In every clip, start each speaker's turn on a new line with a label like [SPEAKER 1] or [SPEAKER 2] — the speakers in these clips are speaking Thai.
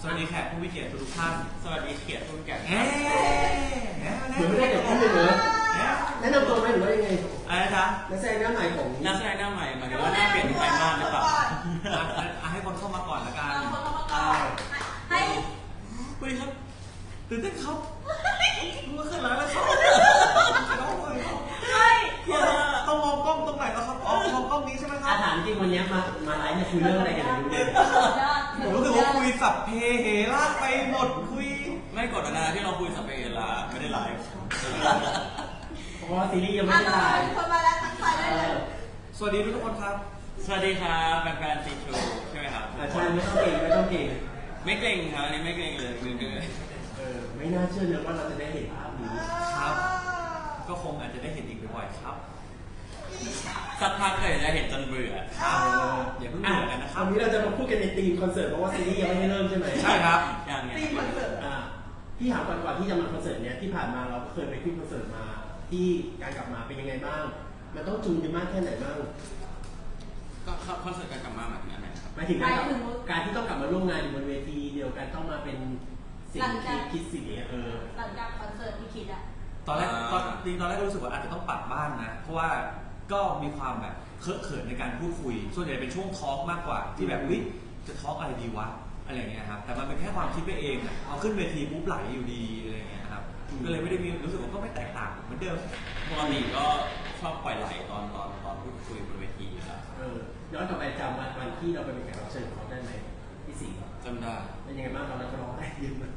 [SPEAKER 1] สวัสดีแขกผู้มีเกียรติทุกท่าน
[SPEAKER 2] สวัสดีเกียรติผู้มีเกียรติ
[SPEAKER 3] เหมือนไม่ได้เกิดขึ้นเลยเหรอแนะนำตัวไหมหรือว่ายังไง
[SPEAKER 1] อะไรนะจ๊ะ
[SPEAKER 3] นักแสดงหน้าใหม่ของ
[SPEAKER 2] นักแสดงหน้าใหม่หมายถึงว่าหน้าเปลี่ยนไปมากหรือเปล่า
[SPEAKER 1] ให้คนเข้ามาก่อนละกัน
[SPEAKER 4] ให้
[SPEAKER 1] คุยครับตื่นเต้นครับรู้ว่าขึ้นแล้วครับต้องมองกล้องตรงไหนแล้วครับอ๋อมองกล้องนี้ใช่ไหมครับ
[SPEAKER 3] ถามจริงวันนี้มาไลฟ์เนี่ยคุยเรื่องอะไรกัน
[SPEAKER 1] ผมรู้สึกว่าคุยสับเพเหระไปหมดคุย
[SPEAKER 2] ไม่กดนะที่เราคุยสับเพเหระไม่ได้ไลฟ์
[SPEAKER 3] เพราะว่าซีรีส์ยังไม่ได้ถ่าย
[SPEAKER 4] คนมาแล้วทักทายได้เลย
[SPEAKER 1] สวัสดีทุกคนครับ
[SPEAKER 2] สวัสดีครับแฟนๆซีทรูใช่ไหมครับ
[SPEAKER 3] ใช่ไม่ต้องเก่ง
[SPEAKER 2] ไม่เกรงครับอันนี้ไม่เกรงเลย
[SPEAKER 3] ไม่น่าเชื่อเลยว่าเราจะได้เห็นภาพนี้
[SPEAKER 1] ครับก็คงอาจจะได้เห็นอีกบ่อยๆครับ
[SPEAKER 2] สักพักเลยจะเห็นจนเบื่อ
[SPEAKER 1] ครับอย่าเพิ่งเบื่อกันนะครับ
[SPEAKER 3] วันนี้เราจะมาพูดกันในธีมคอนเสิร์ตเพราะว่าซีรีส์ยังไม่ได้เริ่มใช่ไหม
[SPEAKER 1] ใช่ครับ
[SPEAKER 2] อย่างเงี้ย
[SPEAKER 4] ธีมคอนเสิร์ต
[SPEAKER 3] พี่ถามก่อนที่จะมาคอนเสิร์ตเนี้ยที่ผ่านมาเราเคยไปขึ้นคอนเสิร์ตมาที่การกลับมาเป็นยังไงบ้างมันต้องจูนกันมากแค่ไหนบ้าง
[SPEAKER 2] ก็คอนเสิร์ตการกลับมาหมายถึงอะไรครับ
[SPEAKER 3] หมายถึงการที่ต้องกลับมาร่วมงานอยู่บนเวทีเดียวกันต้องมาเป็นสิ่งที่คิดสิ่งนี้
[SPEAKER 4] หลังจากคอนเสิร์ตที่คิดอะ
[SPEAKER 1] ตอนแรกก็รู้สึกว่าอาจจะต้องปรับบ้านนะเพราะว่าก็มีความแบบเคอะเขินในการพูดคุยส่วนใหญ่เป็นช่วงทอล์กมากกว่าที่แบบวิจะทอล์กอะไรดีวะอะไรเงี้ยครับแต่มันเป็นแค่ความคิดไปเองอ่ะเอาขึ้นเวทีปุ๊บไหลอยู่ดีอะไรเงี้ยครับก็เลยไม่ได้มีรู้สึกว่าก็ไม่แตกต่างเหมือนเดิม
[SPEAKER 2] ปกติก็ชอบปล่อยไหลตอนพูดคุยบนเวทีครับ
[SPEAKER 3] ย้อนกลับไปจำวันที่เราไปเป็นแขกรับเชิญของเขาได้ไหมพี่สิงห์
[SPEAKER 2] จำได้
[SPEAKER 3] เป็นยังไงบ้างตอนนั้นเขาร้องได้ยินมั้ย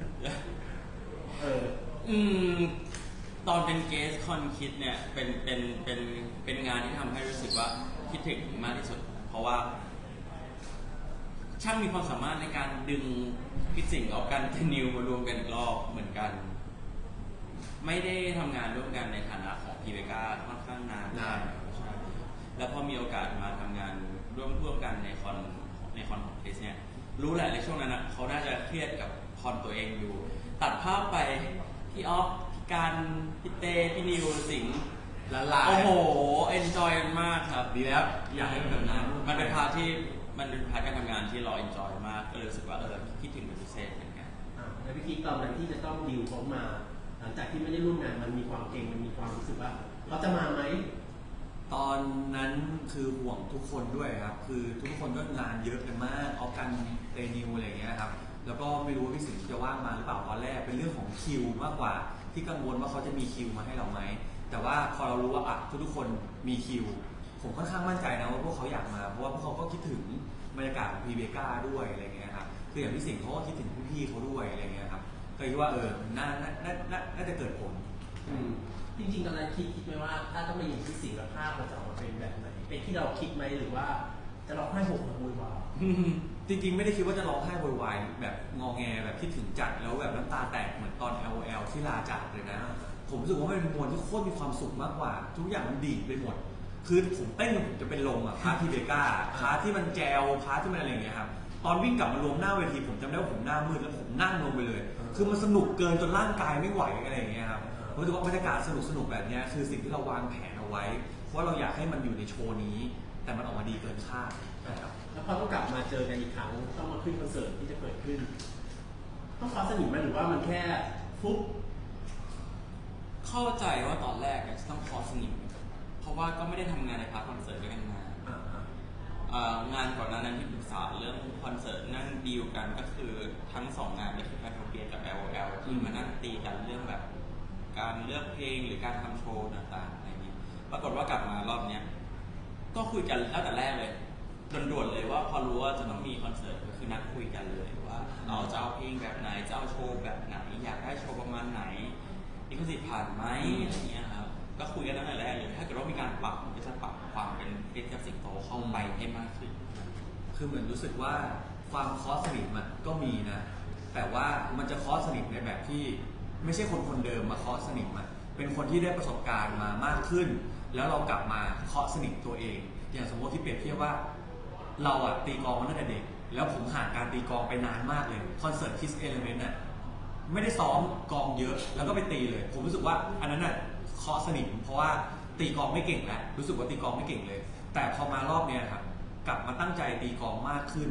[SPEAKER 2] ตอนเป็นเกสคอนคิดเนี่ยเป็นงานที่ทำให้รู้สึกว่าคิดถึงมากที่สุดเพราะว่าช่างมีความสามารถในการดึงพี่สิงห์กับกันเทนิวมารวมกันอีกรอบเหมือนกันไม่ได้ทำงานร่วมกันในฐานะของพีเวกาค่อนข้างนานแล้วพอมีโอกาสมาทำงานร่วมกันในคอนของเทสเนี่ยรู้แหละในช่วงนั้นนะเขาน่าจะเครียดกับคอนตัวเองอยู่ตัดภาพไปพี่ออฟการพี่เต้พี่นิวสิงห์
[SPEAKER 1] ละลาย
[SPEAKER 2] โอ้โหเอนจอยมากครับ
[SPEAKER 1] ดีแล้วอยากให้มันแบบนั้น
[SPEAKER 2] มันเป็นพาร์ทการทำงานที่เราเอนจอยมากก็เลยรู้สึกว่าคิดถึงเป็นพิเศษเหมือนกัน
[SPEAKER 3] แล้วพี่คิดตอนนั้นที่จะต้องดิวเขามาหลังจากที่ไม่ได้ร่วมงานมันมีความเก่งมันมีความรู้สึกว่าเขาจะมาไหม
[SPEAKER 1] ตอนนั้นคือห่วงทุกคนด้วยครับคือทุกคนก็งานเยอะกันมากออฟกันเตนิวอะไรอย่างเงี้ยครับแล้วก็ไม่รู้ว่าพี่สิงห์จะว่างมาหรือเปล่าตอนแรกเป็นเรื่องของคิวมากกว่าที่กังวลว่าเขาจะมีคิวมาให้เราไหมแต่ว่าพอเรารู้ว่าทุกคนมีคิวผมค่อนข้างมั่นใจนะว่าพวกเขาอยากมาเพราะว่าพวกเขาก็คิดถึงบรรยากาศของพีเบก้าด้วยอะไรเงี้ยครับคืออย่างพี่สิงห์เขาก็คิดถึงพี่ๆเขาด้วยอะไรเงี้ยครับก็คิดว่าน่าจะเกิดผล
[SPEAKER 3] จริงๆตอนนั้นคิดไหมว่าถ้าต้องมาอยู่ที่สิงห์แล้วภาพมันจะออกมาเป็นแบบไหนเป็นที่เราคิดไหมหรือว่าจะร้องไห้โหกหัววาย
[SPEAKER 1] จริงๆไม่ได้คิดว่าจะร้องไห้โวยวายแบบงอแงแบบคิดถึงจัดแล้วแบบน้ำตาแตกเหมือนตอน LOL ที่ลาจากเลยนะผมรู้สึกว่ามันเป็นมวลที่โคตรมีความสุขมากกว่าทุกอย่างมันดีไปหมดคือผมเต้นผมจะเป็นลมพาร์ททีเบก้าพาร์ทที่มันแจวพาร์ทที่มันอะไรอย่างเงี้ยครับตอนวิ่งกลับมารวมหน้าเวทีผมจำได้ว่าผมหน้ามืดแล้วผมนั่งลงไปเลยคือมันสนุกเกินจนร่างกายไม่ไหวอะไรอย่างเงี้ยครับผมรู้สึกว่าบรรยากาศสนุกแบบนี้คือสิ่งที่เราวางแผนเอาไว้เพราะเราอยากให้มันอยู่ในโชว์นี้แต่มันออกมาดีเกินคาดนะครับ
[SPEAKER 3] แล้วพอต้องกลับมาเจอกันอีกครั้งต้องมาขึ้นคอนเสิร์ตที่จะเกิดขึ้นต้องฟ้าสนิทไหมหรือว่ามันแค่ฟุ๊บ
[SPEAKER 2] เข้าใจว่าตอนแรกจะต้องคอสนิทเพราะว่าก็ไม่ได้ทำงานในพาร์ทคอนเสิร์ตด้วยกันมางานก่อนหน้านั้นที่ปรึกษาเรื่องคอนเสิร์ตนั่งดีลกันก็คือทั้ง2งานนี่คือแพทโทเปียกับ LOL ที่มานั่งตีกันเรื่องแบบการเลือกเพลงหรือการทำโชว์ต่างๆอะไรนี้ปรากฏว่ากลับมารอบนี้ก็คุยกันตั้งแต่แรกเลยด่วนๆเลยว่าพอรู้ว่าจะต้องมีคอนเสิร์ตก็คือนัดคุยกันเลยว่าเราจะเอาเพลงแบบไหนจะเอาโชว์แบบไหนอยากได้โชว์ประมาณไหนลิขสิทธิ์ผ่านไหมอะไรเงี้ยครับก็คุยกันตั้งแต่แรกเลยถ้าเกิดว่ามีการปรับก็จะปรับความเป็นคริสกับสิงโตเข้าไปให้มากขึ้น
[SPEAKER 1] คือเหมือนรู้สึกว่าความคอสสนิทมันก็มีนะแต่ว่ามันจะคอสสนิทในแบบที่ไม่ใช่คนเดิมมาคอสสนิทมันเป็นคนที่ได้ประสบการณ์มามากขึ้นแล้วเรากลับมาเคาะสนิทตัวเองอย่างสมมติที่เปรียบเทียบว่าเราตีกลองมาตั้งแต่เด็กแล้วผมห่างการตีกลองไปนานมากเลยคอนเสิร์ต Kiss Element ไม่ได้ซ้อมกลองเยอะแล้วก็ไปตีเลยผมรู้สึกว่าอันนั้นเคาะสนิทเพราะว่าตีกลองไม่เก่งแล้วรู้สึกว่าตีกลองไม่เก่งเลยแต่พอมารอบเนี้ยครับกลับมาตั้งใจตีกลองมากขึ้น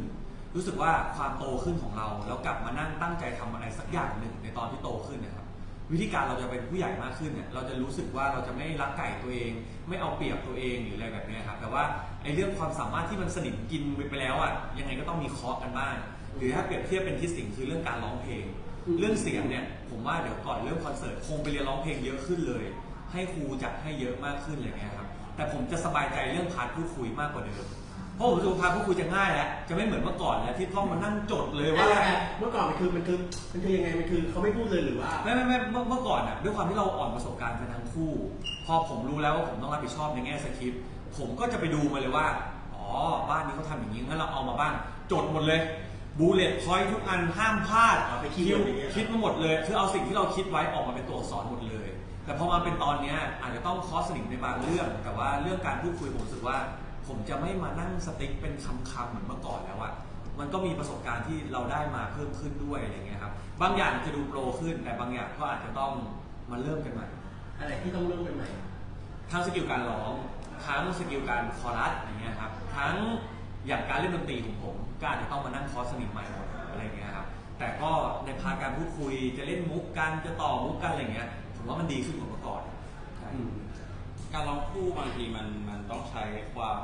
[SPEAKER 1] รู้สึกว่าความโตขึ้นของเราแล้วกลับมานั่งตั้งใจทำอะไรสักอย่างหนึ่งในตอนที่โตขึ้นนะครับวิธีการเราจะเป็นผู้ใหญ่มากขึ้นเนี่ยเราจะรู้สึกว่าเราจะไม่รักไก่ตัวเอง ไม่เอาเปรียบตัวเองหรืออะไรแบบนี้ครับแต่ว่าไอ้เรื่องความสามารถที่มันสนิมกินไปแล้วอ่ะยังไงก็ต้องมีเคาะกันบ้างหรือถ้าเปรียบเทียบเป็นที่สิ่งคือเรื่องการร้องเพลงเรื่องเสียงเนี่ยผมว่าเดี๋ยวก่อนเรื่องคอนเสิร์ตคงไปเรียนร้องเพลงเยอะขึ้นเลยให้ครูจัดให้เยอะมากขึ้นอะไรเงี้ยครับแต่ผมจะสบายใจเรื่องพาร์ทพูดคุยมากกว่าเดิมเพราะผมรู้สึกพาร์ทพูดคุยจะง่ายแล้วจะไม่เหมือนเมื่อก่อนแล้วที่ต้องมานั่งจดเลยว่า
[SPEAKER 3] เมื่อก่อนมันคือยังไงมันคือเขาไม่พูดเลยหรือว่า
[SPEAKER 1] ไม่เมื่อก่อนอ่ะด้วยความที่เราอ่อนประสบการณ์กันทั้งคู่พอผมรู้แล้วว่าผมต้องรับผิดชอบในแง่สคริปต์ผมก็จะไปดูมาเลยว่าอ๋อบ้านนี้เขาทำอย่างนี้งั้นเราเอามาบ้างจดหมดเลยบูเลตพอยท์ทุกอันห้ามพลาด
[SPEAKER 3] ไป
[SPEAKER 1] คิดมาหมดเลยคือเอาสิ่งที่เราคิดไว้ออกมาเป็นตัวอักษรหมดเลยแต่พอมาเป็นตอนนี้อาจจะต้องคอสนิมในบางเรื่องแต่ว่าเรื่องการพูดคุยผมรู้สึกว่าผมจะไม่มานั่งสติ๊กเป็นคำเหมือนเมื่อก่อนแล้วอะมันก็มีประสบการณ์ที่เราได้มาเพิ่มขึ้นด้วยอะไรเงี้ยครับบางอย่างจะดูโปรขึ้นแต่บางอย่างก็อาจจะต้องมาเริ่มกันใหม่
[SPEAKER 3] อะไรที่ต้องเริ่มกันใหม่
[SPEAKER 1] ทั้งสกิลการร้องทั้งสกิลการคอรัสอย่างเงี้ยครับทั้งอย่างการเล่นดนตรีของผมก็อาจจะต้องมานั่งคอร์สสนิมใหม่หมดอะไรเงี้ยครับแต่ก็ในพาร์ทการพูดคุยจะเล่นมุกกันจะต่อมุกกันอะไรเงี้ยผมว่ามันดีขึ้นกว่าเมื่อก่อน
[SPEAKER 2] การร้องคู่บางทีมันต้องใช้ความ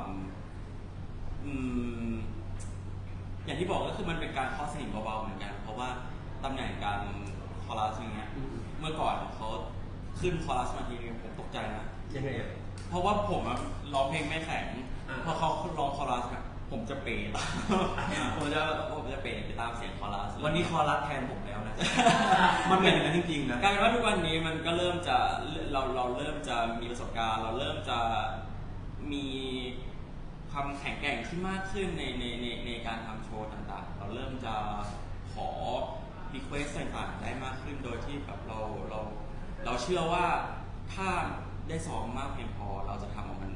[SPEAKER 2] อย่างที่บอกก็คือมันเป็นการคอสนิมเบาๆเหมือนกันเพราะว่าตำแหน่งการคอรัสอย่างเงี้ยเมื่อก่อนเขาขึ้นคอรัสมาทีนึงผมตกใจนะ
[SPEAKER 3] ยังไง
[SPEAKER 2] เพราะว่าผมร้องเพลงไม่แข็งพอเขาร้องคอรัสผมจะเปย์ผมจะเปย์ไปตามเสียงคอรัส
[SPEAKER 1] วันนี้คอรัสแทนผมแล้วนะมันเป็นอย่างนั้นจริงๆนะ
[SPEAKER 2] กลายเป็นว่าทุกวันนี้มันก็เริ่มจะเราเริ่มจะมีประสบการณ์เราเริ่มจะมีความแข็งแกร่งที่มากขึ้นในการทำโชว์ต่างๆเราเริ่มจะขอรีเควสต่างๆได้มากขึ้นโดยที่แบบเราเชื่อว่าถ้าได้ซ้อมมากเพียงพอเราจะทำมัน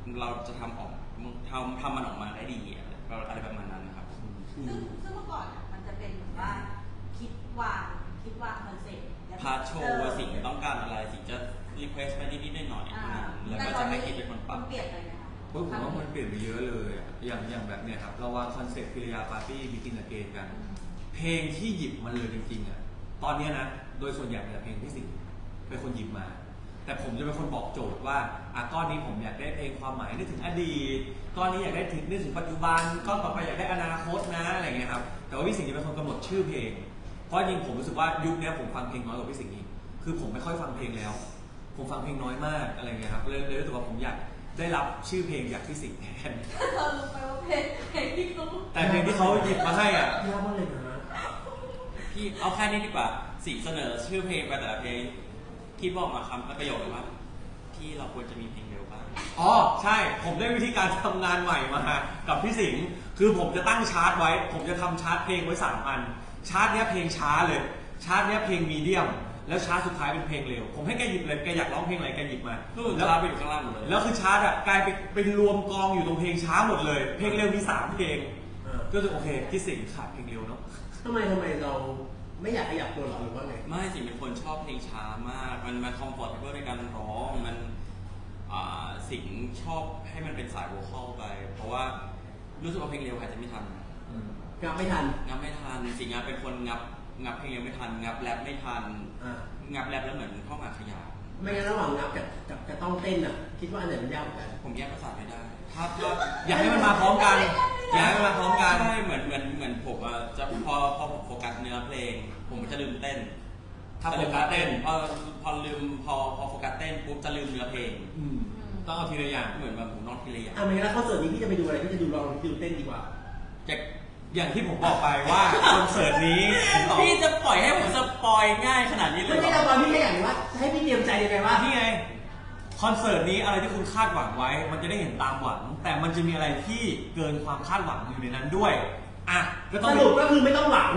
[SPEAKER 2] ออกมาได้ดีอะไรประมาณนั้นนะครับ
[SPEAKER 4] ซึ่งเมื่อก่อนมันจะเป็นแบบว่าคิดวางคอนเซ็ปต์
[SPEAKER 2] พาร์ทโชว์ว่าสิ่งต้องการอะไรสิ่งจะรีเควสไปนิดๆหน่อยๆแล้วก็จะให้คิดเป็นคนปรับ
[SPEAKER 4] เปลี่ยนเลยนะคะ
[SPEAKER 1] ผมว่ามันเปลี่ยนไปเยอะเลยอย่างแบบเนี้ยครับเราวางคอนเซ็ปต์พิริยาปาร์ตี้บิกินอเกนกันเพลงที่หยิบมันเลยจริงๆอ่ะตอนนี้นะโดยส่วนใหญ่เป็นเพลงที่สิงเป็นคนหยิบมาแต่ผมจะเป็นคนบอกโจทย์ว่าก้อนนี้ผมอยากได้เพลงความหมายนึกถึงอดีตก้อนนี้อยากได้นึกถึงปัจจุบันก้อนต่อไปอยากได้อนาคตนะอะไรเงี้ยครับแต่ว่าพี่สิงห์จะเป็นคนกำหนดชื่อเพลงเพราะจริงผมรู้สึกว่ายุคนี้ผมฟังเพลงน้อยกว่าพี่สิงห์อีกคือผมไม่ค่อยฟังเพลงแล้วผมฟังเพลงน้อยมากอะไรเงี้ยครับเลยรู้สึกว่าผมอยากได้รับชื่อเพลงจากพี่สิงห์แทน
[SPEAKER 4] เรารู้ไหมว่าเพลงที่เขา
[SPEAKER 1] แต่เพลงที่เขาหยิบมาให้อ่ะ
[SPEAKER 3] ยากมากเลยนะ
[SPEAKER 2] พี่เอาแค่นี้ดีกว่าสิงห์เสนอชื่อเพลงไปแต่ละเพลงที่บอกมาคำประโยคเลยว่าที่เราควรจะมีเพลงเร็วบ้าง
[SPEAKER 1] อ๋อใช่ผมได้วิธีการทำงานใหม่มากับพี่สิงห์คือผมจะตั้งชาร์ตไว้ผมจะทำชาร์ตเพลงไว้3 อันชาร์ตเนี้ยเพลงช้าเลยชาร์ตเนี้ยเพลงมีเดียมแล้วชาร์ตสุดท้ายเป็นเพลงเร็วผมให้แกหยิบเลยแกอยากร้องเพลงอะไรแกหยิบมา
[SPEAKER 2] แล้วไปอยู่ข้างล่างหมดเลย
[SPEAKER 1] แล้วคือชาร์ตกลายเป็นรวมกองอยู่ตรงเพลงช้าหมดเลยเพลงเร็วมี3 เพลงก็จะโอเคพี่สิงห์ขาดเพลงเร็วเนาะ
[SPEAKER 3] ทำไมเราไม่อยากขยับตัวหรอหรือว่าไง
[SPEAKER 2] ไม่สิเป็นคนชอบเพลงช้ามากมันคอมฟอร์ตเบิลในการร้องมันสิงชอบให้มันเป็นสายโวคอลไปเพราะว่ารู้สึกว่าเพลงเร็วอาจจะไม่ทัน
[SPEAKER 3] งับไม่ทัน
[SPEAKER 2] สิงห์เป็นคนงับเพลงเร็วไม่ทันงับแรปไม่ทันงับแรปแล้วเหมือนเข้ามาขยาย
[SPEAKER 3] ไม่งั้นระหว่างงับกับต้องเต้นอ่ะคิดว่าอันไหนมันยากกว่ากัน
[SPEAKER 2] ผมแยกประสาทไม่ได้
[SPEAKER 1] ถ้าอยากให้มันมาพร้อมกันอยากให้มันมาพร้อมกัน
[SPEAKER 2] ใช่เหมือนผมจะพอผมโฟกัสเนื้อเพลงผมจะลืมเต้น
[SPEAKER 1] ถ้าโฟกัสเต้น
[SPEAKER 2] พอลืมพอโฟกัสเต้นปุ๊บจะลืมเนื้อเพลง
[SPEAKER 1] ต้องเอาทีละอย่าง
[SPEAKER 2] เหมือนแบบผมนอนทีละอย่าง
[SPEAKER 3] ไม่งั้นคอนเสิร์ตนี้พี่จะไปดูอะไรพี่จะดูเต้นดีกว่า
[SPEAKER 1] อย่างที่ผมบอกไปว่าคอนเสิร์ตนี้
[SPEAKER 2] พี่จะปล่อยให้ผมสปอยง่ายขนาดนี้เลย
[SPEAKER 3] ไม่ใช่เราตอนนี้แค่อย่างว่าให้พี่เตรียมใจยังไงว่า
[SPEAKER 1] พี่ไงคอนเสิร์ตนี้อะไรที่คุณคาดหวังไว้มันจะได้เห็นตามหวังแต่มันจะมีอะไรที่เกินความคาดหวังอยู่ในนั้นด้วย
[SPEAKER 3] ก็ต้องสรุปก็คือไม่ต้องหวัง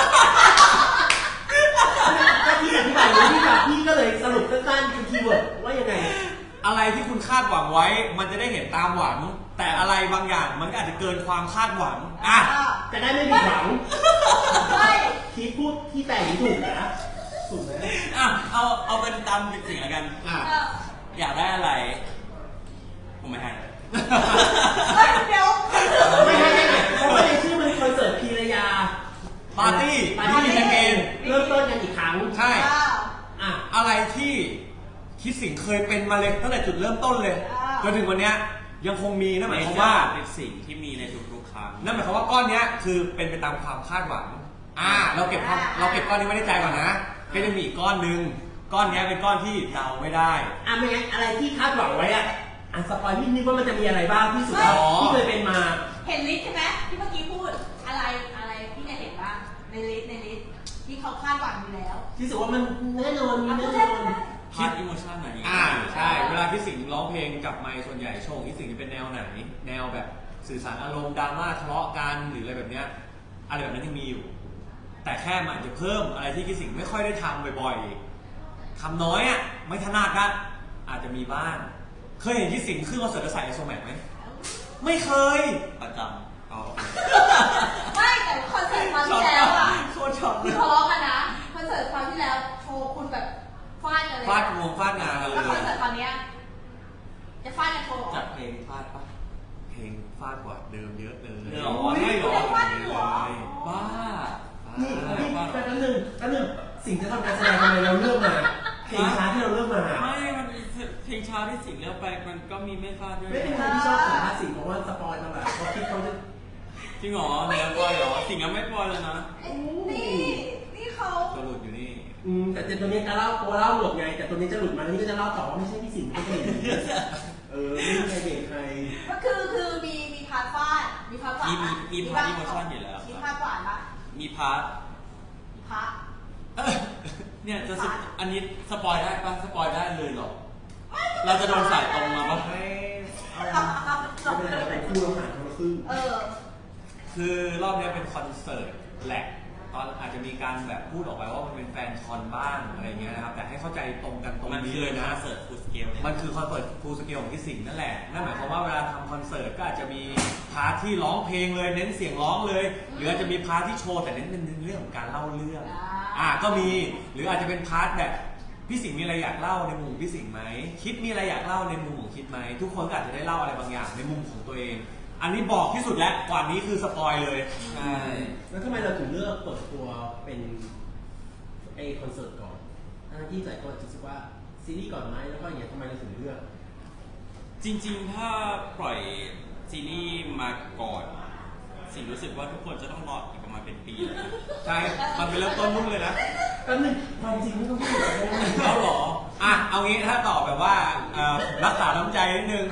[SPEAKER 3] ถ้าพี่อธิบายอย่างนี้พี่ก็เลยสรุปสั้นๆคือคีย์เวิร์ดว่ายังไง
[SPEAKER 1] อะไรที่คุณคาดหวังไว้มันจะได้เห็นตามหวังแต่อะไรบางอย่างมันก็อาจจะเกินความคาดหวัง
[SPEAKER 3] จะได้ไม่ผิดหวังใช่คิดพูดที่แต่งถูกนะถูกไหม
[SPEAKER 2] เอาเป็นตามสิ่งละกันอยากได้อะไรผมไม่ให้
[SPEAKER 4] เดี๋ยว
[SPEAKER 3] ไม่ให้เพราะว่าในชื่อมันคอนเสิร์ต
[SPEAKER 1] เคยเป็นมาเลยตั้งแต่จุดเริ่มต้นเลยจนถึงวันเนี้ยยังคงมีนั่นหมายความว่า
[SPEAKER 2] เป็นสิ่งที่มีในทุกๆครั้ง
[SPEAKER 1] นั่นหมายความว่าก้อนเนี้ยคือเป็นไปตามความคาดหวังเราเก็บก้อนนี้ไว้ในใจก่อนนะก็จะมีอีกก้อนนึงก้อนเนี้ยเป็นก้อนที่เดาไม่ได้
[SPEAKER 3] ไม่งั้นอะไรที่คาดหวังไว้สปอยนิดว่ามันจะมีอะไรบ้างที่สุดที่เคยเป็นมา
[SPEAKER 4] เห็นลิสต์ใช่ไหมที่เมื่อกี้พูดอะไรที่เนี่ยเห็นบ้างในลิสต์ที่เขาคาดหวังอยู่แล้ว
[SPEAKER 3] ที่สุดว่ามันแน่นอนมีแน่นอน
[SPEAKER 2] คิดอิโมชั่นไหน
[SPEAKER 1] ใช่เวลาที่สิงร้องเพลงกับไมค์ส่วนใหญ่โชว์ที่สิงจะเป็นแนวไหนแนวแบบสื่อสารอารมณ์ดราม่าทะเลาะกันหรืออะไรแบบเนี้ยอะไรแบบนั้นยังมีอยู่แต่แค่มันอาจจะเพิ่มอะไรที่คิดสิงไม่ค่อยได้ทำบ่อยๆทำน้อยไม่ถนัดก็อาจจะมีบ้างเคยเห็นคิดสิงขึ้นคอนเสิร์ตแล้วใส่ไอโซแมกไหมไม่เคย
[SPEAKER 2] ประจำ
[SPEAKER 4] ไม่แต่คอนเสิร์ตคราวที่แล้ว
[SPEAKER 1] โคตรช็อต
[SPEAKER 4] คือทะเลาะกันนะคอนเสิร์ตคราวที่แล้วโชว์คุณแบบฟาดกันเลย
[SPEAKER 1] ฟาดงวงฟาดงานกันเลย
[SPEAKER 4] แล้วคอนเสิร์ตคราวนี้จะฟาดกันโชว์
[SPEAKER 2] จัดเพลงฟาดปะ
[SPEAKER 1] เพลงฟาดกว่าเดิมเยอะเลย
[SPEAKER 4] ไม่หรอฟาดหัว
[SPEAKER 2] บ้า
[SPEAKER 3] นี่แป๊บนึงสิ่งจะทำการแสดงทำไมเราเลือกมาเพลงช้าที่เราเลือกมา
[SPEAKER 2] ไม่มันเพลงช้าที่สิงเลือกไปมันก็มีไม่ฟาดด้วย
[SPEAKER 3] ไม่เป็นไรที่ชอบสัมภาษณ์สิ่งเพราะว่าสปอยล์มาแบบเพราะคิดเขาจะ
[SPEAKER 2] จริงเหรอเนี่ยปอยเหรอสิ่งยังไม่ปอยเลยนะ
[SPEAKER 4] นี่เขา
[SPEAKER 1] ตัวหลุดอยู่นี่
[SPEAKER 3] แต่ตัวนี้จะเล่าตัวเล่าหลุดไงแต่ตัวนี้จะหลุดมานี่ก็จะเล่าต่อว่าไม่ใช่พี่สิงห์ก็เป็นไม่ใครเด็กใคร
[SPEAKER 4] ก็คือมีพาร์ทฟาดมีพาร์ทหวาน
[SPEAKER 2] มีพาร์ทอิโมชั่นอยู่แล้ว
[SPEAKER 4] มีพาร์ทหวานปะ
[SPEAKER 2] มีพาร์ทเนี่ยจะอันนี้สปอยได้ปะสปอยได้เลยหรอเราจะโดนสายตรงมาปะ
[SPEAKER 3] ไม่เป็นไรคู่เราผ่านคนละครึ่ง
[SPEAKER 1] คือรอบนี้เป็นคอนเสิร์ตแหละตอนอาจจะมีการแบบพูดออกไปว่ามันเป็นแฟนคอนบ้างอะไรเงี้ยนะครับแต่ให้เข้าใจตรงกันตรงนี้เลยนะ
[SPEAKER 2] คอนเสิร์ตฟูลสเกล
[SPEAKER 1] มันคือคอนเสิร์ตฟูลสเกลของที่สิงห์นั่นแหละนั่นหมายความว่าเวลาทำคอนเสิร์ตก็อาจจะมีพาร์ทที่ร้องเพลงเลยเน้นเสียงร้องเลยหรืออาจจะมีพาร์ทที่โชว์แต่เน้นเรื่องของการเล่าเรื่องก็มีหรืออาจจะเป็นพาร์ทแบบพี่สิงห์มีอะไรอยากเล่าในมุมพี่สิงห์ไหมคิดมีอะไรอยากเล่าในมุมของคิดไหมทุกคนก็อาจจะได้เล่าอะไรบางอย่างในมุมของตัวเองอันนี้บอกที่สุดแล้วกว่านี้คือสปอยเลย
[SPEAKER 3] ใช่แล้วทำไมเราถึงเลือกเปิดตัวเป็นคอนเสิร์ตก่อนที่หลายคนจะคิดว่าซีรีส์ก่อนไหมแล้วก็อย่างเงี้ยทำไมเราถึงเลือก
[SPEAKER 2] จริงๆถ้าปล่อยซีรีส์มาก่อนสิ่งรู้สึกว่าทุกคนจะต้องรออีกประมาณเป็นปีเลย
[SPEAKER 1] ใช่มันเป็นเริ่มต้นรุ่นเลยนะ
[SPEAKER 3] ก็หนึ่งความจริงไม่ต้องพูด
[SPEAKER 1] เขาหรอเอางี้ถ้าตอบแบบว่ารักษาน้ำใจนิดนึง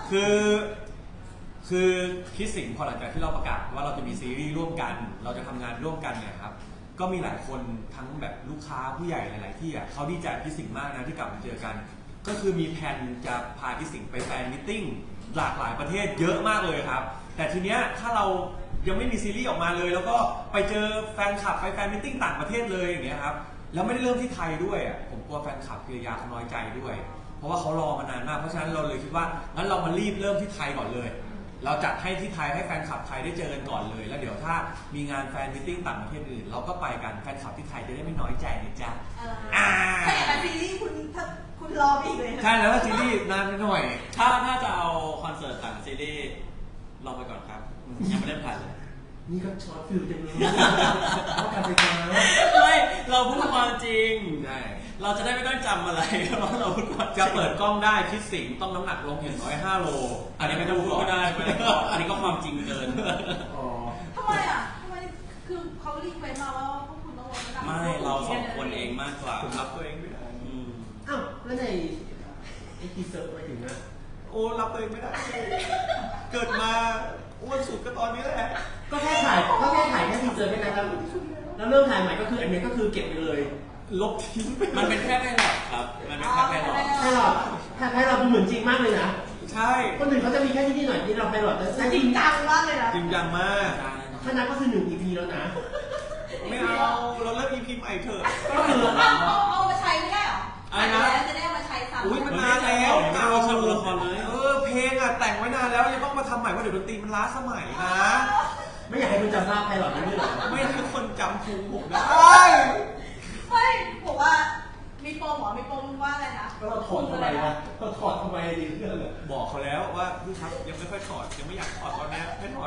[SPEAKER 1] คือคิดสิ่งพอหลังจากที่เราประกาศว่าเราจะมีซีรีส์ร่วมกันเราจะทำงานร่วมกันเนี่ยครับก็มีหลายคนทั้งแบบลูกค้าผู้ใหญ่หลายๆที่เขาดีใจพี่สิงห์มากนะที่กลับมาเจอกันก็คือมีแผนจะพาพี่สิงห์ไปแฟนมิทติ้งหลากหลายประเทศเยอะมากเลยครับแต่ทีเนี้ยถ้าเรายังไม่มีซีรีส์ออกมาเลยแล้วก็ไปเจอแฟนคลับไปแฟนมิทติ้งต่างประเทศเลยอย่างเงี้ยครับแล้วไม่ได้เริ่มที่ไทยด้วยผมกลัวแฟนคลับพิรยาเขาน้อยใจด้วยเพราะว่าเขารอมานานมากเพราะฉะนั้นเราเลยคิดว่างั้นเรามารีบเริ่มที่ไทยก่อนเลยเราจัดให้ที่ไทยให้แฟนคลับไทยได้เจอกันก่อนเลยแล้วเดี๋ยวถ้ามีงานแฟนมิทติ้งต่างประเทศอื่นเราก็ไปกันแฟนคลับที่ไทยจะได้ไม่น้อยใจนะจ๊ะ
[SPEAKER 4] ถ้าอย่างนั้นซีรีส์คุณรออีกเลย
[SPEAKER 1] ใช่แล้วซีรีส์นานไปหน่อย
[SPEAKER 2] ถ้าจะเอาคอนเสิร์ตต่างซีรีส์รอไปก่อนครับยังไม่ได้ผ่านเลย
[SPEAKER 3] นี่ก็ช็อตฟิลจังเลยต้องการไปกัน
[SPEAKER 2] ไม่เราพูดความจริง
[SPEAKER 1] ใช่
[SPEAKER 2] เราจะได้ไม่ต้องจำอะไรเพราะเราพูดความ
[SPEAKER 1] จะเปิดกล้องได้คิดสิงต้องน้ำหนักลงอย่างน้อย5 โลอันนี้ไม่ต้องพูดก็ได้อันนี้ก็ความจริงเกิน
[SPEAKER 4] ทำไมคือเขารีเควสมาว่าพวกคุณต้องลดน้ำหนัก
[SPEAKER 2] ไม่เรา2 คนเองมากกว่า
[SPEAKER 1] ผมรับตัวเองไม่ได้
[SPEAKER 3] แล้วในทีเซอร์ไปถึงนะ
[SPEAKER 1] โอ้รับตัวเองไม่ได้เกิดมาอ้วนสุดก็ตอนนี้แหละ
[SPEAKER 3] ก็แค่ถ่ายแค่ทีเซอร์แค่นั้นแล้วเริ่มถ่ายใหม่ก็คืออันนี้ก็คือเก็บไปเลย
[SPEAKER 1] ลบทิ้ง
[SPEAKER 2] มันเป็นแค่ไพลอตครับมันเป็นแค่ไพลอต
[SPEAKER 3] ไพลอตดูเหมือนจริงมากเลยนะ
[SPEAKER 1] ใช่
[SPEAKER 3] คนอื่นเขาจะมีแค่ที่นี่หน่อยที่เราไพลอต
[SPEAKER 4] แต่จริงจังมากเลยนะ
[SPEAKER 1] จริงจังมาก
[SPEAKER 3] ถ้านับก็คือ1 EP แล้วนะ
[SPEAKER 1] ไม่เอาเราเลิก EP ใหม่เถอะ
[SPEAKER 4] ก็คือเอามาใช้ไม่ได้หรออะไรนะจะได้มาใช้ซ้ำ
[SPEAKER 1] อุ้ยมันนานแล้ว
[SPEAKER 2] เราชอบละครเลย
[SPEAKER 1] เพลงแต่งไว้นานแล้วยังต้องมาทำใหม่เพราะเดี๋ยวดนตรีมันล้าสมัยนะ
[SPEAKER 3] ไม่อยากให้คุณจำภาพไพลอตนั้นด้วยหรอ
[SPEAKER 1] ไม่ให้คนจำภูมิผมได้
[SPEAKER 4] ไม่บอกว่ามีโปรหมอมีโปรว่าอะไรนะ
[SPEAKER 3] ก็เราถอดทำไมนะเราถอดทำไมดีเรื่องเลย
[SPEAKER 1] บอกเขาแล้วว่าพี่ครับยังไม่ค่อยถอดยังไม่อยากถอดตอนนี้ให้ถอดได้ไหม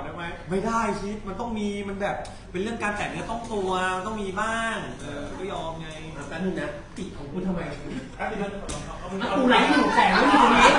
[SPEAKER 1] ไม่ได้คิดมันต้องมีมันแบบเป็นเรื่องการแต่งเนื้อต้องตัวมันต้องมีบ้างก็ยอมไง
[SPEAKER 3] แป๊บนึงนะติดของคุณทำไมกูไลฟ์อยู่แสงไม่อยู่ตรงนี้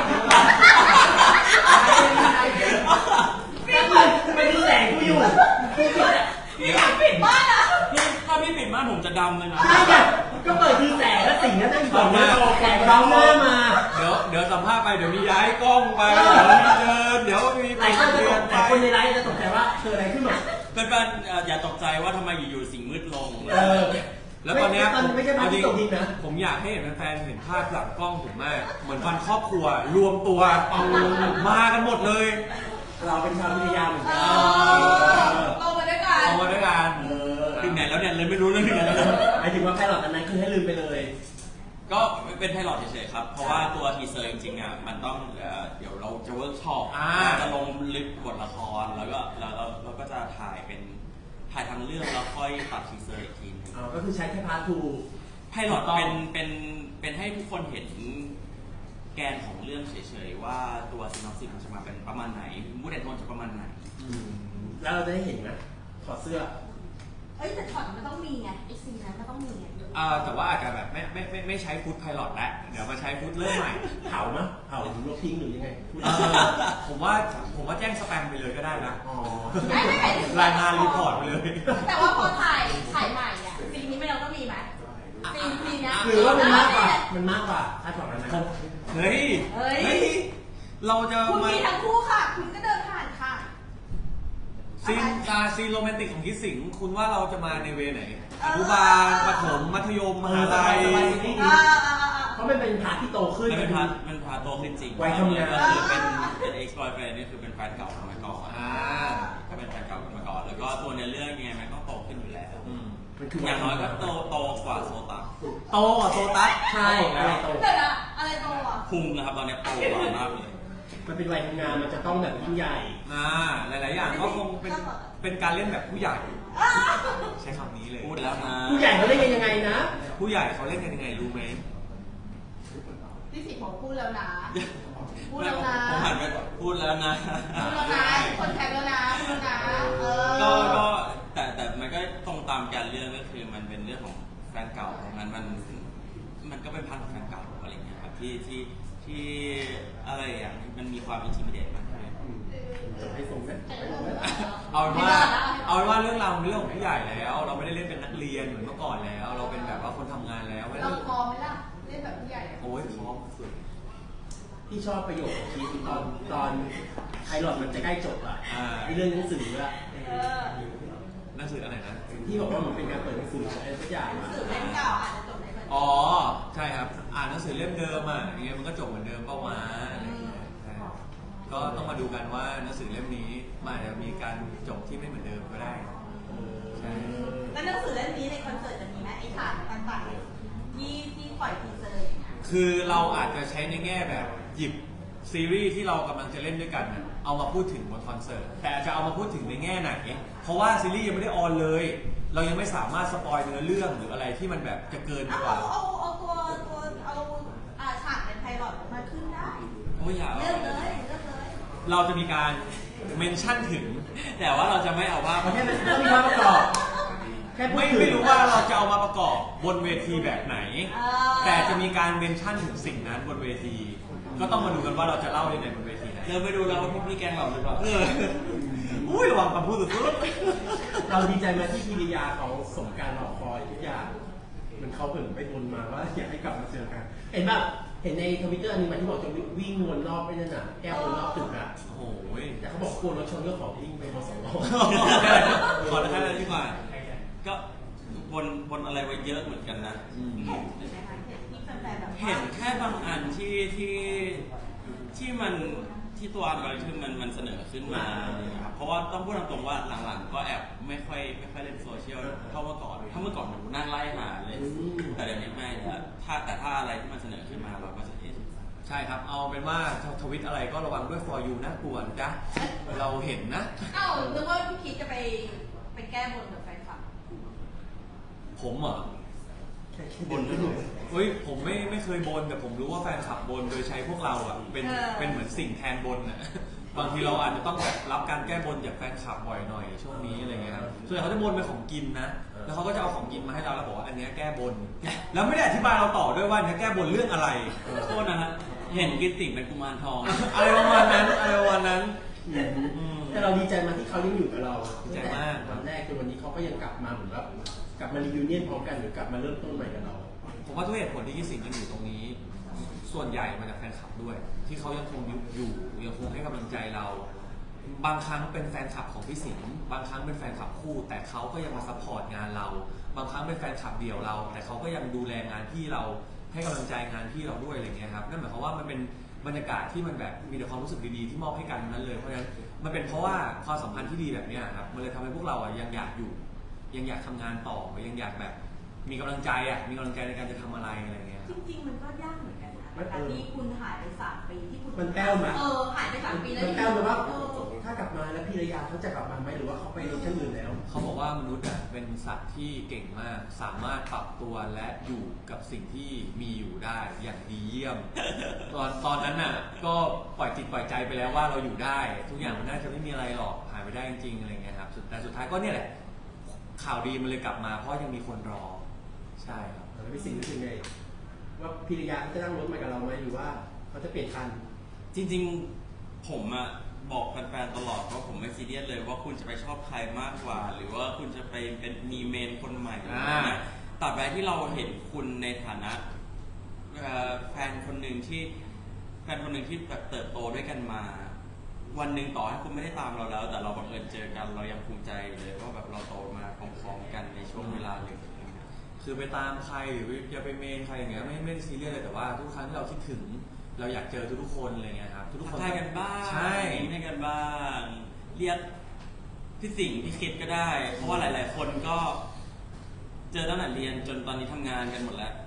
[SPEAKER 3] ไม่ดูแสงกูอยู่
[SPEAKER 4] พี่อยากปิดบ้านอ่ะ
[SPEAKER 2] ถ้าพี่ปิดม่านผมจะดำเลยนะ
[SPEAKER 3] ใช่ไงก็เปิดคือแสงแล้วสิ่งนั้นได้ก่อนมาแสงเราหน้ามา
[SPEAKER 1] เดี๋ยวสัมภาษณ์ไปเดี๋ยวมีย้ายกล้องไปเดี๋ยวมีเดินเดี๋ยวมี
[SPEAKER 3] หลายคนจะตกแต่คนในไลฟ์จะตกใจว่าเกิดอะไรขึ้นหรอ
[SPEAKER 2] เป็นอย่าตกใจว่าทำไมอยู่ๆสิ่งมืดลง
[SPEAKER 1] แล้วตอนเนี้ย
[SPEAKER 3] ไม่ใช่ภาพที่ตกดินนะ
[SPEAKER 1] ผมอยากให้เห็นแฟนๆเห็นภาพหลังกล้องผมมากเหมือนวันครอบครัวรวมตัวมากันหมดเลย
[SPEAKER 3] เราเป็นชาววิทยาเหมือนกัน
[SPEAKER 4] ลงมาด้วยกัน
[SPEAKER 1] เอามาด้วยกัน
[SPEAKER 2] ถึงไหนแล้วเนี่ยเลยไม่รู้เรื่องถึงไหนแล้ว
[SPEAKER 3] หมายถึงว่าแพลอตอันนั้นคือให้ลืมไปเลย
[SPEAKER 2] ก็เป็นไพลอตเฉยๆครับ เพราะว่าตัวทีเซอร์จริงๆอ่ะมันต้องเดี๋ยวเราจะเวิร์กช็อปจะลงลึกบทละครแล้วก็เราก็จะถ่ายทางเรื่องแล้วค่อยตัดทีเซอร์อีกทีนึง
[SPEAKER 3] ก็คือใช้แค่พาร์ททู
[SPEAKER 2] ไพลอตเป็นให้ทุกคนเห็นแกนของเรื่องเฉยๆว่าตัวซีนอปซิสมันจะมาเป็นประมาณไหนมูดแอนโทนจะประมาณไหน
[SPEAKER 3] แล้วเราจะได้เห็นไหมถอดเสื้อ
[SPEAKER 4] เอ้ยแต่ช็อตมันต้องมีไงไอซีนนั้นมันต้องมีไง
[SPEAKER 1] แต่ว่าอาจจะแบบไม่ใช้ฟุตไพลอตแล้วเดี๋ยวมาใช้ฟุตเริ่มใหม่
[SPEAKER 3] เผามั้ยเผาหรือลบทิ้งหรือยังไง
[SPEAKER 1] ผมว่าแจ้งสแปมไปเลยก็ได้นะ
[SPEAKER 3] อ๋อ
[SPEAKER 4] ไม่ถึง
[SPEAKER 1] รายงานรีพอร์ตไปเลย
[SPEAKER 4] แต่ว่าพอถ่ายใหม่อ่ะซีนนี้ไม่เราต้องมีไหมซีนนี้
[SPEAKER 3] หรือว่ามันมากกว่าคาดหวังนั้นนะ
[SPEAKER 1] เฮ้ยเราจะ
[SPEAKER 4] คุณ
[SPEAKER 1] มา
[SPEAKER 4] มีทั้งคู่ค่ะ คุณก็เดินผ่านค่ะ
[SPEAKER 1] ซีนโรแมนติกของคิดสิงคุณว่าเราจะมาในเวไหนอนุบาลประถมมัธยมมหาลัย
[SPEAKER 3] เพราะมันเป็นพาร์ทที่โตขึ้น
[SPEAKER 2] มันพาโตขึ้นจริง
[SPEAKER 3] วัยทำงาน
[SPEAKER 2] ก็คือเป็นเอ็กซ์พลอยแฟนนี่คือเป็นแฟนเก่าสมัยก่อนก็เป็นแฟนเก่าสมัยก่อนแล้วก็ตัวในเรื่องยังไงมันก็โตขึ้นอยู่แล้วอย่างน้อยก็โตกว่าโซตัส
[SPEAKER 1] โตกว่าโซตัส
[SPEAKER 3] ใช่อะไรโต
[SPEAKER 4] เดี๋ยวนะอะไรโตอ่ะ
[SPEAKER 2] พุงนะครับตอนนี้โตกว่ามากเลย
[SPEAKER 3] มันเป็นวัยทำงานมันจะต้องแบบยิ่งใหญ่
[SPEAKER 1] หลายๆอย่างก็คงเป็นการเล่นแบบผู้ใหญ่ ใช้คำนี้เลย
[SPEAKER 2] พูดแล้วนะ
[SPEAKER 3] ผู้ใหญ่เขาเล่นกันยังไงนะ
[SPEAKER 1] ผู้ใหญ่เขาเล่นกันยังไงรู้ไหม
[SPEAKER 4] พี่สิผมพูดแล้วนะ พูดแล้วนะ
[SPEAKER 2] ผมหันไปพูดแล้วนะ
[SPEAKER 4] พูดแล้วนะคนแคปแล้วนะพูดแล้วนะ
[SPEAKER 2] ก็แต่มันก็ตรงตามการเรื่องก็คือมันเป็นเรื่องของแฟนเก่าของมันก็เป็นพันของแฟนเก่าอะไรเงี้ยครับที่อะไรอย่างมันมีความอินทิมิเดตมากเลย
[SPEAKER 3] จะให้ส่งไหม
[SPEAKER 1] เอาเป็นว่าเรื่องราวเป็นเรื่องของผู้ใหญ่แล้ว เราไม่ได้เล่นเป็นนักเรียนเหมือนเมื่อก่อนแล้ว เราเป็นแบบว่าคนทำงานแล้ว
[SPEAKER 4] เราพร้อมไหมล่ะเล่นแบบผู้ใหญ่
[SPEAKER 1] โอ้ยพร้อมสุด
[SPEAKER 3] ที่ชอบประโยคของชีวิตตอนไพลอตมันจะใกล้จบอ่ะในเรื่องหนังสืออะ
[SPEAKER 1] หนังสืออะไรนะ
[SPEAKER 3] ที่บอกว่ามันเป็นการเปิดหนังสืออะไรสักอย่าง
[SPEAKER 4] หนังสือเล่มเก่าอาจจะจบได้เหมือน
[SPEAKER 1] อ๋อใช่ครับอ่านหนังสือเล่มเดิมอ่ะอย่างเงี้ยมันก็จบเหมือนเดิมเป้าวะอะไรอย่างเงี้ยใช่ก็ต้องมาดูกันว่าหนังสือเล่มนี้มันอาจจะมีการจบที่ไม่เหมือนเดิมก็ได้ใช่
[SPEAKER 4] แล้วหนังสือเล่มนี้ในคอนเสิร์ตจะมีไหมไอ้ฉากต่างๆที่ปล่อยทีเซอร์
[SPEAKER 1] คือเราอาจจะใช้ในแง่แบบหยิบซีรีส์ที่เรากำลังจะเล่นด้วยกันน่ะเอามาพูดถึงบนคอนเสิร์ตแต่อาจจะเอามาพูดถึงในแง่ไหนเพราะว่าซีรีส์ยังไม่ได้ออนเลย เรายังไม่สามารถสปอยเนื้อเรื่องหรืออะไรที่มันแบบจะเกินไปกว่า
[SPEAKER 4] เอาฉากในไพลอตมาขึ้นได้
[SPEAKER 2] โอ้ยอย่า
[SPEAKER 4] เลือกเลย
[SPEAKER 1] เราจะมีการเมนชั่นถึง
[SPEAKER 2] แต่ว่าเราจะไม่เอาว่า
[SPEAKER 3] เพราะแค่นั้นต้องมีภาพประกอบแค่พูดถึง
[SPEAKER 1] ไม่รู้ว่าเราจะเอามาประกอบบนเวทีแบบไหน แต่จะมีการเมนชั่นถึงสิ่งนั้นบนเวที ก็ต้องมาดูกันว่าเราจะเล่าได้ในบนเวทีไหน
[SPEAKER 2] เราไปดูแล้วว่าพี่แกงเราหรือเปล่า
[SPEAKER 1] อุ้ยระวังคำพูดสุด
[SPEAKER 3] เราดีใจไหมที่พิริยาเขาสมการรอคอยทุกอย่างมันเขาเหมือนไปบนมาว่าอยากให้กลับมาเจอกันเห็นแบบเห็นในทวิตเตอร์อันนึงมันที่บอกจะวิ่งวนรอบไปนั่นน่ะแก้ววนรอบตึกอะ
[SPEAKER 1] โอ้ย
[SPEAKER 3] แต่เขาบอกกลัวรถชนก็ขอวิ่งไปมา2 รอบ
[SPEAKER 2] ขอแค่นั้นดีกว่าก็บนอะไรไว้เยอะเหมือนกันนะ เห็นแค่บางอันที่มันที่ตัวอัลกอริทึมมันเสนอขึ้นมาครับเพราะว่าต้องพูดตรงๆว่าหลังๆก็แอบไม่ค่อยเล่นโซเชียลเท่าเมื่อก่อนถ้าเมื่อก่อนผมนั่งไล่หาเลยแต่เดี๋ยวนี้ไม่แล้วถ้าอะไรที่มันเสนอขึ้นมาเราก็จะเห็น
[SPEAKER 1] ใช่ครับ เอาเป็นว่าทวิตอะไรก็ระวังด้วย for you นะกลัวนะจ๊ะเราเห็นนะ
[SPEAKER 4] เอ้านึกว่าพี่คิดจะไปแก้บนกับแฟนคลับ
[SPEAKER 1] ผมเหรอ
[SPEAKER 3] บนไม่ถูก
[SPEAKER 1] เฮ้ยผมไม่เคยบนแต่ผมรู้ว่าแฟนคลับบนโดยใช้พวกเราอ่ะเป็นเหมือนสิ่งแทนบนอ่ะบางทีเราอาจจะต้องแบบรับการแก้บนจากแฟนคลับบ่อยหน่อยช่วงนี้อะไรเงี้ยครับส่วนใหญ่เขาจะบนเป็นของกินนะแล้วเขาก็จะเอาของกินมาให้เราแล้วบอกว่าอันนี้แก้บนแล้วไม่ได้อธิบายเราต่อด้วยว่าอันนี้แก้บนเรื่องอะไร
[SPEAKER 2] โทษนะฮะเห็นกินติ่งเป็นกุมารทอง
[SPEAKER 1] อะไรประมาณนั้นอะไรประมาณนั้น
[SPEAKER 3] แต่เราดีใจมาที่เขายังอยู่กับเรา
[SPEAKER 1] ดีใจมาก
[SPEAKER 3] วันแรกจนวันนี้เขาก็ยังกลับมาเหมือนแบบกลับมารีวิวเนียนพร้อมกันหรือกลับมาเริ่มต้นใหม่กับเรา
[SPEAKER 1] ผมว่าทุกเหตุผลที่พี่สิงห์ยังอยู่ตรงนี้ ส่วนใหญ่มาจากแฟนคลับด้วย ที่เขายังคงอยู่ยังคงให้กำลังใจเรา บางครั้งเป็นแฟนคลับของพี่สิงห์บางครั้งเป็นแฟนคลับคู่ แต่เขาก็ยังมาซัพพอร์ตงานเรา บางครั้งเป็นแฟนคลับเดี่ยวเรา แต่เขาก็ยังดูแลงานพี่เราให้กำลังใจงานพี่เราด้วยอะไรเงี้ยครับนั่นหมายความว่ามันเป็นบรรยากาศที่มันแบบมีแต่ความรู้สึกดีๆที่มอบให้กันนั้นเลยเพราะฉะนั้นมันเป็นเพราะว่าความสัมพันธ์ที่ดีแบบนี้ครับมันเลยทำให้พวกเรายังอยากอยู่ยังอยากทำงานต่อยังอยากแบบมีกำลังใจมีกำลังใจในการจะทำอะไรอะไรเงี้ย
[SPEAKER 4] จริงๆมันก็ยากเหมือนกันนะแต่ที่คุณหายไป3 ปีที่คุณ
[SPEAKER 3] มันแป้วไหม
[SPEAKER 4] หายไป3 ปีแล้ว
[SPEAKER 3] มันแป้วไหมว่าถ้ากลับมาแล้วพิรยาเขาจะกลับมาไหมหรือว่าเขาไปที่อื่นแล้ว
[SPEAKER 1] เขาบอกว่ามนุษย์เป็นสัตว์ที่เก่งมากสามารถปรับตัวและอยู่กับสิ่งที่มีอยู่ได้อย่างดีเยี่ยม ตอนนั้นน่ะก็ปล่อยจิตปล่อยใจไปแล้วว่าเราอยู่ได้ ทุกอย่างมันน่าจะไม่มีอะไรหรอกหายไปได้จริงๆอะไรเงี้ยครับแต่สุดท้ายก็เนี่ยแหละข่าวดีมันเลยกลับมาเพราะยังมีคนรอใช่ครับ
[SPEAKER 3] แล้วพี่สิงห์รู้สึกไงว่าพิรยาเขาจะนั่งรถมากับเราไหมหรือว่าเขาจะเปลี่ยนคัน
[SPEAKER 2] จริงๆผมอะบอกแฟนๆตลอดว่าผมไม่ซีเรียสเลยว่าคุณจะไปชอบใครมากกว่า หรือว่าคุณจะไปเป็นมีเมนคนใหม่อะไรอย่างเงี้ยตราบใดที่เราเห็นคุณในฐานะแฟนคนหนึ่งที่แบบเติบโตด้วยกันมาวันหนึ่งต่อให้คุณไม่ได้ตามเราแล้ว แต่เราบังเอิญเจอกันเรายังภูมิใจเลยว่าแบบเราโตมาพร้อมๆกันในช่วงเวลาหนึ่ง
[SPEAKER 1] คือไปตามใครหรือจะไปเมนใครอย่างเงี้ยไม่ได้ซีเรียสเลยแต่ว่าทุกครั้งที่เราคิดถึงเราอยากเจอทุกคนอะไรเงี้ยครับทุกคน
[SPEAKER 2] ทักทายกันบ้าง
[SPEAKER 1] ใช่
[SPEAKER 2] ยิ้มให้กันบ้างเรียกพี่สิงห์พี่คิดก็ได้ เพราะว่าหลายๆคนก็เจอตั้งแต่เรียนจนตอนนี้ทำงานกันหมดแล้ว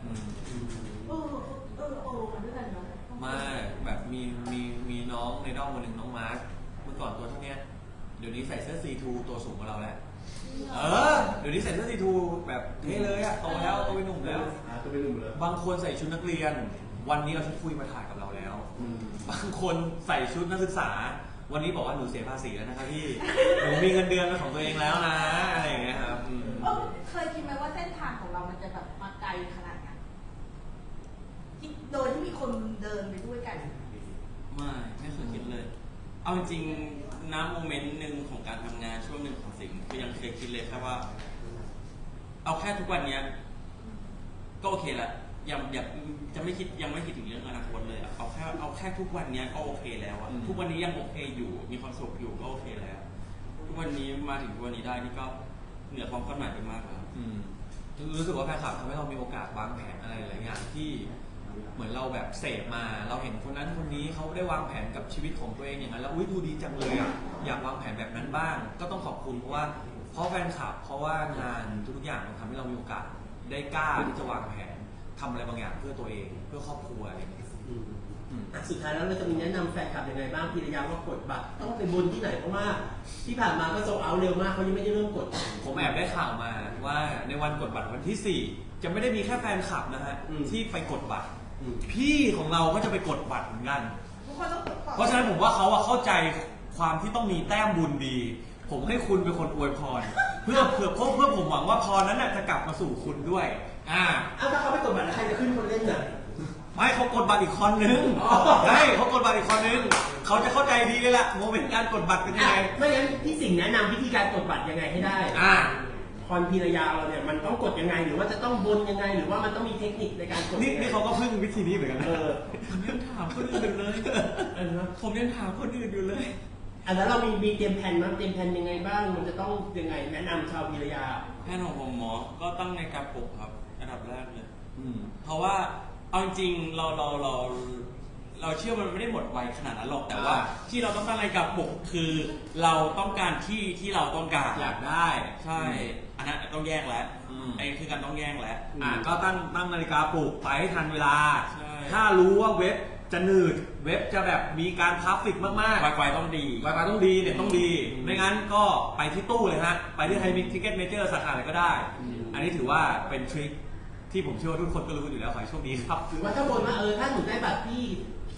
[SPEAKER 4] กันด้วยกันเนาะ
[SPEAKER 1] มาแบบมีน้องในด้อมคนหนึ่งน้องมาร์คเมื่อก่อนตัวเท่านี้เดี๋ยวนี้ใส่เสื้อซีทูตัวสูงกว่าเราแล้วเดี๋ยวนี้ใส่เสื้อซีทูแบบเท่เลยโตแล้วโตเป็นหนุ่มแล้ว
[SPEAKER 3] ตัวเป็นหนุ่มเลย
[SPEAKER 1] บางคนใส่ชุดนักเรียน วันนี้เอาชุดคุยมาถ่ายกับเราแล้วบางคนใส่ชุดนักศึกษา วันนี้บอกว่าหนูเสียภาษีแล้วนะครับพี่หนูมีเงินเดือนเป็นของตัวเองแล้วนะอะไรอย่างเงี้ยครับ
[SPEAKER 4] เคยคิดไหมว่าเส้นทางของเรามันจะแบบมาไกลขนาดนี้โดยที่มีคนเดินไปด้วยกัน
[SPEAKER 2] ไม่เคยคิดเลย เอาจริงๆน้ำโมเมนต์หนึ่งของการทำงานช่วงหนึ่งของสิ่งก็ยังเคยคิดเลยแค่ว่า เอาแค่ทุกวันเนี้ยก็โอเคละยังไม่คิดถึงเรื่องอนาคตเลยเอาแค่ทุกวันเนี้ยก็โอเคแล้วอะทุกวันนี้ยังโอเคอยู่มีความสุขอยู่ก็โอเคแล้วทุกวันนี้มาถึงทุกวันนี้ได้นี่ก็เหนือความคาดหมายไปมากแล้ว
[SPEAKER 1] รู้สึกว่าแฟนคลับทำให้เรามีโอกาสวางแผนอะไรหลายอย่างที่เหมือนเราแบบเสพมาเราเห็นคนนั้นคนนี้เขาได้วางแผนกับชีวิตของตัวเองอย่างนั้นแล้วดูดีจังเลยอยากวางแผนแบบนั้นบ้างก็ต้องขอบคุณเพราะแฟนคลับเพราะว่างานทุกอย่างมันทำให้เรามีโอกาสได้กล้าที่จะวางแผนทำอะไรบางอย่างเพื่อตัวเองเพื่อครอบครัวอะไรอย่างเงี้ย
[SPEAKER 3] สุดท้ายแล้วเราจะมีแนะนำแฟนคลับยังไงบ้างพิรยาว่ากดบัตรต้องไปบนที่ไหนเพราะว่าที่ผ่านมาก็โซลเอาท์เร็วมากเขายังไม่ได้เริ่มกด
[SPEAKER 1] ผมแอบได้ข่าวมาว่าในวันกดบัตรวันที่ 4จะไม่ได้มีแค่แฟนคลับนะฮะที่ไปกดบัตรพี่ของเราก็จะไปกดบัตรเหมือนกันเพราะฉะนั้นผมว่าเขาเข้าใจความที่ต้องมีแต้มบุญดี ผมให้คุณเป็นคนอวยพรเพื่อผมหวังว่าพรนั้นจะกลับมาสู่คุณด้วย
[SPEAKER 3] ถ้าเขาไปกดบัตรแล้วใครจะขึ้นคนเล่นน่ะ
[SPEAKER 1] ไม่เขากดบัตรอีกคนนึงใช่เขากดบัตรอีกคนนึงเขาจะเข้าใจดีเลยล่ะโมเมนต์การกดบัตรเป็นยังไง
[SPEAKER 3] ไม่งั้นพี่สิงห์แนะนำวิธีการกดบัตรยังไงให้ได้พรพิรยาเราเนี่ยมันต้องกดยังไงหรือว่าจะต้องบนยังไงหรือว่ามันต้องมีเทคนิคในการกด
[SPEAKER 1] นี่เขาก็พึ่งวิธีนี้เหมือนกัน
[SPEAKER 2] ผมยังถามคนอื่นเลยผมยังถามคนอื่นอยู่เลย
[SPEAKER 3] อันนั้นเรามีเตรียมแผนมั้ยเตรียมแผนยังไงบ้างมันจะต้องยังไงแนะนำชาวพิรยา
[SPEAKER 2] แผนของผมหมอก็ตั้งในการปลุกครับอันดับแรกเลยเพราะว่าเอาจริงเราเชื่อมันไม่ได้หมดไวขนาดนั้นหรอกแต่ว่าที่เราต้องตั้งนาฬิกาปลุกคือเราต้องการที่เราต้องการ
[SPEAKER 1] อยากได้
[SPEAKER 2] ใช่อันนั้นต้องแยกแล้วไอ้คือการต้องแยกแล้ว
[SPEAKER 1] ก็ตั้งนาฬิกาปลุกไปให้ทันเวลาถ้ารู้ว่าเว็บจะหนืดเว็บจะแบบมีการทราฟฟิกมากๆ
[SPEAKER 2] Wi-Fi ต้องดี
[SPEAKER 1] Wi-Fi ต้องดีเนี่ยต้องดีไม่งั้นก็ไปที่ตู้เลยฮะไปที่ไทยทิกเก็ตเมเจอร์สาขาไหนก็ได้อันนี้ถือว่าเป็นทริคที่ผมเชื่อว่าทุกคนก็รู้อยู่แล้วขอให้โชคดีครับ
[SPEAKER 3] หรือว่าถ้าบนว่าถ้าหนูได้บัตรที่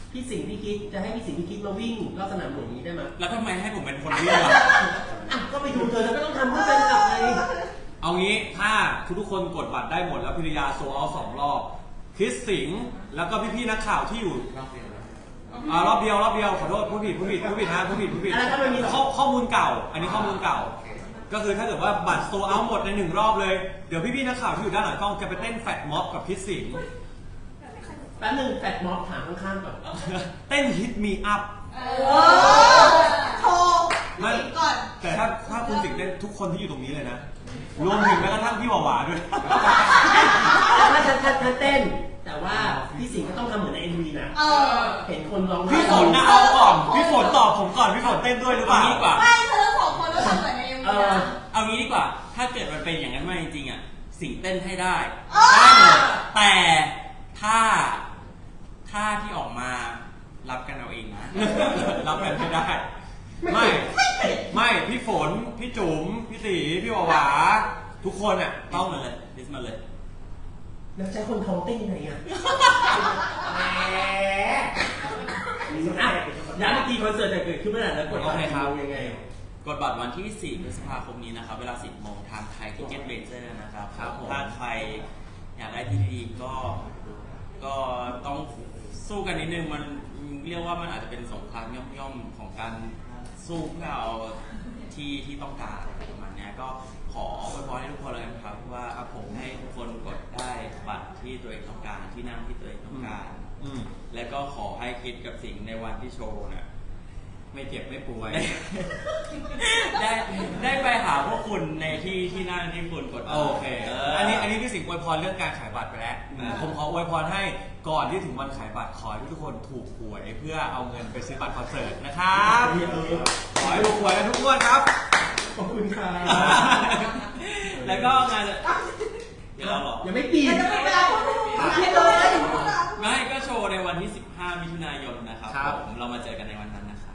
[SPEAKER 3] พี่สิงห์พี่คิดจะให้พี่สิงห์พี่คิดมาวิ่งรอบสนามหลวงนี้ได้ไหม
[SPEAKER 2] แล้วทำไมให้ผมเป็นคนวิ่งล่ะ
[SPEAKER 3] อ่ะก็ไปดูเธอแล้วก็ต้องทำเพื่อเป็นกับไง
[SPEAKER 1] เอางี้ถ้าทุกคนกดบัตรได้หมดแล้วพิริยาโซเอา2 รอบคริสสิงห์แล้วก็พี่ๆนักข่าวที่อยู่รอบเดียวขอโทษผู้ผิดนะผู้ผิด
[SPEAKER 3] อะไรถ้ามันมี
[SPEAKER 1] ข้อมูลเก่า อันนี้ข้อมูลเก่า ก็คือถ้าเกิดว่าบัตรโซเอาหมดใน1 รอบเลยเดี๋ยวพี่ๆนักข่าวที่อยู่ด้านหลังกล้องจะไปเต้นแฟตม็อบกับคริสสิงห์
[SPEAKER 3] แป๊บนึงแฟดม็อบถามข้างๆก่อน
[SPEAKER 1] เต้นฮิตมีอัพ
[SPEAKER 4] โทรก่อน
[SPEAKER 1] แต่ถ้าคุณสิงห์เต้นทุกคนที่อยู่ตรงนี้เลยนะรวมถึงแม้กระทั่งพี่หวาด้วย
[SPEAKER 3] ถ้าฉันเต้น แต่ว่าพี่สิงห์ก็ต้องทำเหมือนใน MV นะเห็นคนร้องไห้
[SPEAKER 1] พี่ฝนนะเอาก่อนพี่ฝนตอบผมก่อนพี่ฝนเต้นด้วยหรือเปล่า
[SPEAKER 2] เอางี้ดีกว่า
[SPEAKER 4] ไม่เธอทั้ง2 คนแล้วทำเหมือนในเอ็มวีนะ
[SPEAKER 2] เอางี้ดีกว่า ถ้าเกิดมันเป็นอย่างนั้นมาจริงๆอ่ะ สิ่งเต้นให้ได้
[SPEAKER 4] เออ
[SPEAKER 2] ได้หมดแต่ถ้าที่ออกมารับกันเอาเองนะ
[SPEAKER 1] รับกันไม่ได้ ไม่พี่ฝนพี่จุ๋มพี่ตีพี่หวาทุกคนอ่ะ
[SPEAKER 2] ต้
[SPEAKER 1] ต้
[SPEAKER 2] อ
[SPEAKER 1] อง ง
[SPEAKER 2] มาเลยดิสมาเลย
[SPEAKER 3] แล้วใช้คนท้องเต้นยังไงอ่ะย้ำอีกทีคอนเสิร์ตจะเกิดขึ้นเมื่อไหร่แล้วกดบัตรกี่โมงยังไง
[SPEAKER 2] กดบัตรวันที่ 4 พฤษภาคมนี้นะครับ เวลา 10 โมงทางไทยทิเก็ตเมเจอร์นะครับ
[SPEAKER 1] ครับผม
[SPEAKER 2] ถ้าใครอยากได้ที่ดีก็ต้องสู้กันนิดนึง มันเรียกว่ามันอาจจะเป็นสงครามย่อมๆของการสู้เพื่อเอาที่ต้องการอะไรประมาณเนี้ยก็ขออวยพรให้ทุกคนเลยนะครับว่าผมให้ทุกคนกดได้บัตรที่ตัวเองต้องการที่นั่งที่ตัวเองต้องการ และก็ขอให้คิดกับสิ่งในวันที่โชว์น่ะ
[SPEAKER 1] ไม่เจ็บไม่ป่วย
[SPEAKER 2] ได้ไปหาพวกคุณในที่นั่งที่คุณกด
[SPEAKER 1] โอเค อันนี้พี่สิงห์อวยพรเรื่องการขายบัตรไปแล้ว ผมขออวยพรให้ก่อนที่ถึงวันขายบัตรขอให้ทุกคนถูกหวยเพื่อเอาเงินไปซื้อบัตรคอนเสิร์ตนะครับขอให้ถูกหวยกันทุกงวดครับ
[SPEAKER 3] ขอบคุณค่ะ
[SPEAKER 2] แล้วก็งานเดี๋ยวเราหรอ
[SPEAKER 3] ยังไม่ปีน
[SPEAKER 4] จะเป็นเวลาพูดเลย
[SPEAKER 2] ไม่ก็โชว์ในวันที่ 15 มิถุนายนนะครับ
[SPEAKER 1] ครับ
[SPEAKER 2] เรามาเจอกันในวันนั้นนะครับ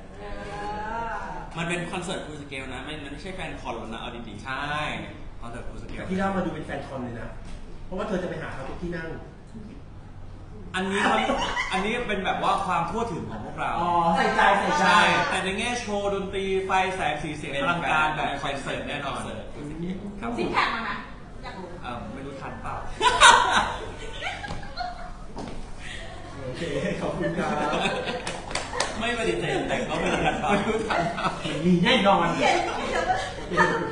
[SPEAKER 2] มันเป็นคอนเสิร์ตฟูลสเกลนะมันไม่ใช่แฟนคอนหรอกนะเอาดีๆ
[SPEAKER 1] ใช่คอนเสิร์ตฟูลสเกล
[SPEAKER 3] แต่ที่เรามาดูเป็นแฟนคอนเลยนะ เพราะว่าเธอจะไปหาเขาทุกที่นั่ง
[SPEAKER 1] อันนี้เป็นแบบว่าความทั่วถึงของพวกเรา
[SPEAKER 3] อ๋อ ใส่ใจ
[SPEAKER 1] ใช่ แต่ในแง่โชว์ดนตรีไฟแสงสีเสียงอลังการแบบคอนเสิร์ตแน่นอนครับผ
[SPEAKER 4] ซิก
[SPEAKER 1] ม
[SPEAKER 4] แพคมาไหมอยากรู้
[SPEAKER 1] ไม่รู้ทันเปล่า
[SPEAKER 3] โอเค ขอบคุณครับ
[SPEAKER 2] ไม่ปฏิเสธแต่ก็ไม่รู้ทัน
[SPEAKER 1] ไม่รู้ทันเปล่า
[SPEAKER 3] มีแน่นอน
[SPEAKER 4] เดี๋ยว